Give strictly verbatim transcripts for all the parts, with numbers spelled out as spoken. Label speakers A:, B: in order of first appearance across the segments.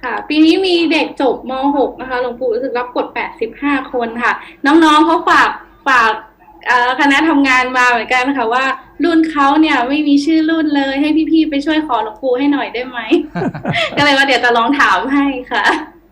A: ค่ะปีนี้มีเด็กจบม .หก นะคะหลวงปู่รู้สึกรับกดแปดสิบห้าคนค่ะน้องๆเขาฝากฝากคณะทำงานมาเหมือนกันค่ะว่ารุ่นเขาเนี่ยไม่มีชื่อรุ่นเลยให้พี่ๆไปช่วยขอหลวงปู่ให้หน่อยได้ไหม ก็เลยว่าเดี๋ยวจะลองถามให้ค่ะ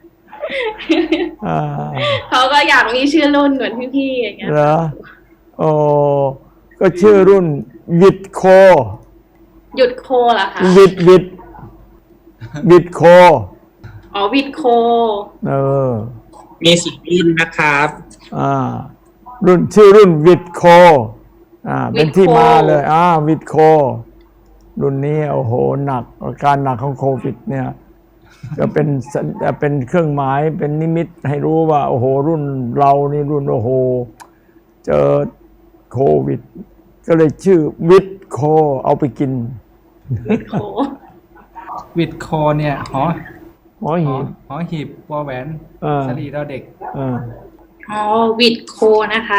A: เขาก็อยากมีชื่อรุ่นเหมือนพี่ๆอย่างเงี้ยเหรอ
B: โอ้ก็ชื่อรุ่นวิดโค
A: หยุดโคเหรอคะ
B: วิดวิดวิดโค
A: อ๋อวิดโค
B: เออ
C: มีสิบรุ่นนะครับ
B: อ่ารุ่นชื่อรุ่นวิดโคอ่าเป็นที่มาเลยอ่าวิดโครุ่นนี้โอ้โหหนักอาการหนักของโควิดเนี่ยก็เป็นเป็นเครื่องหมายเป็นนิมิตให้รู้ว่าโอ้โหรุ่นเรานี่รุ่นโอ้โหเจอโควิดก็เลยชื่อวิดโคเอาไปกิน
A: วิดโค
D: วิดโคเนี่ยหอ
B: หอหีบ
D: หอหีบวอแหวนสลีเราเด็ก
A: อ๋อวิดโคนะคะ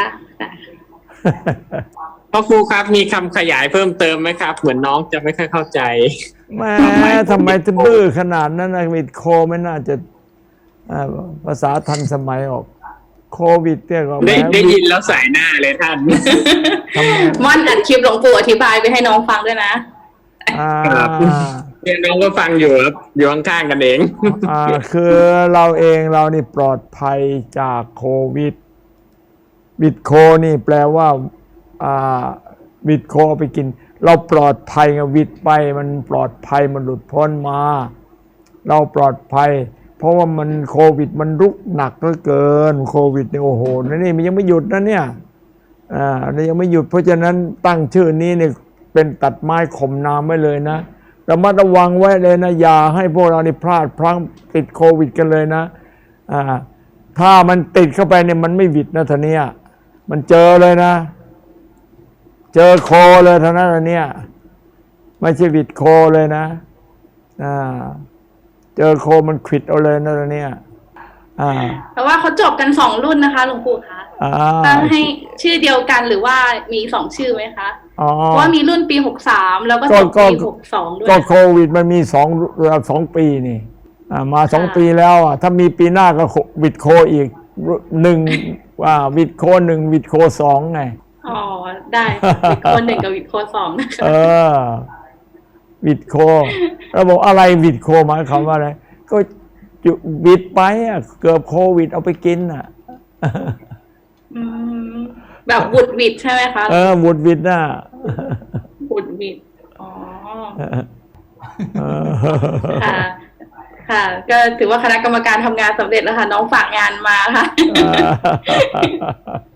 C: พ่อครูครับมีคำขยายเพิ่มเติมไหมครับเหมือนน้องจะไม่ค่อยเข้าใจ
B: แม่ทำไมจะบื้อขนาดนั้นนะวิดโคไม่น่าจะภาษาทันสมัยออกโควิดเนี่ยก็
C: ได้ได้ยินแล้วสายหน้าเลยท่าน
A: ม่อนอัดคลิปหลวงปู่อธิบายไปให้น้องฟังด้วยนะ
C: ครับเนี่ยน้องก็ฟังอยู่ครับอยู่ข้างๆกันเอง
B: อ่าคือเราเองเรานี่ปลอดภัยจากโควิดวิดโคนี่แปลว่าอ่าวิดโคไปกินเราปลอดภัยไงวิดไปมันปลอดภัยมันหลุดพ้นมาเราปลอดภัยเพราะว่ามันโควิดมันรุกหนักเหลือเกินโควิดเนี่ยโอ้โหนี่มันยังไม่หยุดนะเนี่ยอ่ายังไม่หยุดเพราะฉะนั้นตั้งชื่อนี้เนี่ยเป็นตัดไม้ข่มน้ำไว้เลยนะระมัดระวังไว้เลยนะอย่าให้พวกเรานี่พลาดพลั้งติดโควิดกันเลยนะอ่าถ้ามันติดเข้าไปเนี่ยมันไม่หวิดนะท่านี้มันเจอเลยนะเจอโคเลยเท่านั้นเนี่ยไม่ใช่หวิดโคเลยนะอ่าเจอโคมันขิดเอาเลยนะเนี่ยอ่า
A: แต่ว่าเขาจบกันสองรุ่นนะคะหลวงปู่คะตั้งให้ชื่อเดียวกันหรือว่ามีสองชื่อไหมคะเพราะว่ามีรุ่นปีหกสามแล้วก็จบปีหกสองด้วย
B: ก็โควิดมันมีสองสองปีนี่มาสองปีแล้วอ่ะถ้ามีปีหน้าก็วิดโคอีกหนึ่งว่าวิดโคหนึ่งวิดโคสองไง
A: อ๋อได้วิดโคหนึ่งกับวิดโคสองนะคะ
B: เออวิดโคเราบอกอะไรวิดโคหมายความว่าอะไรก็วิดไปอ่ะเกือบโควิดเอาไปกินอ่ะ
A: แบบบุดวิดใช่ไหมคะ
B: เออบุดวิดน่ะ
A: บุดวิดอ๋อค่ะค่ะก็ถือว่าคณะกรรมการทำงานสำเร็จแล้วค่ะน้องฝากงานมาค่ะ